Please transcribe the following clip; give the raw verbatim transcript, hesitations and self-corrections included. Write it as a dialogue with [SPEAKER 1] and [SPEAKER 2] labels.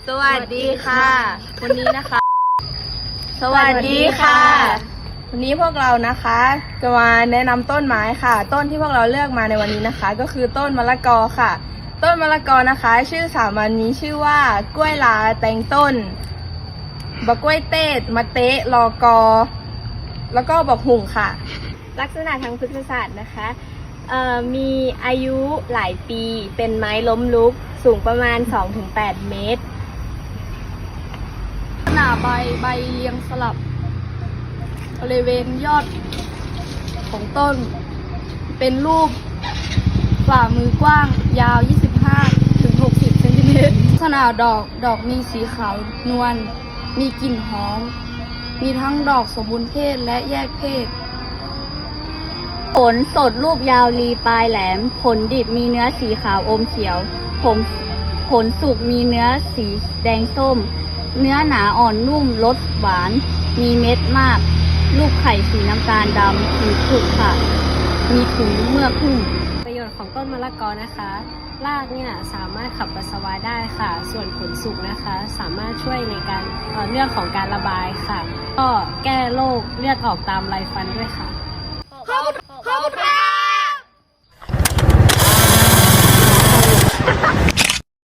[SPEAKER 1] สวัสดีค่ะวันนี้นะคะ
[SPEAKER 2] สวัสดีค่ะ
[SPEAKER 1] วันนี้พวกเรานะคะจะมาแนะนำต้นไม้ค่ะ ต้นที่พวกเราเลือกมาในวันนี้นะคะ ก็คือต้นมะละกอค่ะ ต้นมะละกอนะคะ ชื่อสามัญมีชื่อว่ากล้วยลาแตงต้นบะกล้วยเต้มะเตะลอกอ แล้วก็บักหุ่งค่ะ
[SPEAKER 2] ลักษณะทางพฤกษศาสตร์นะคะเอ่อมีอายุหลายปีเป็นไม้ล้มลุกสูงประมาณ สองถึงแปด เมตร
[SPEAKER 3] หน้าใบใบเรียงสลับบริเวณยอดของต้น เป็นรูปฝ่ามือกว้างยาว ยี่สิบห้าถึงหกสิบ เซนติเมตรลักษณะดอกดอกมีสีขาวนวลมีกลิ่นหอม มีทั้งดอกสมบูรณ์เพศและแยกเพศ
[SPEAKER 4] ผลสดรูปยาวรีปลายแหลม ผลดิบมีเนื้อสีขาวอมเขียวผลผลสุกมีเนื้อสีแดงส้ม เนื้อหนาอ่อนนุ่มรสหวาน มีเม็ดมาก ลูกไข่สีน้ำตาลดำผิวขรุขระมีถุงเมือกหุ้ม
[SPEAKER 2] ประโยชน์ของต้นมะละกอนะคะ รากเนี่ยสามารถขับปัสสาวะได้ค่ะ ส่วนผลสุกนะคะ สามารถช่วยในการเอ่อเรื่องของการระบายค่ะ ก็แก้โรคเลือดออกตามไรฟันด้วยค่ะ
[SPEAKER 3] ขอบคุณค่ะ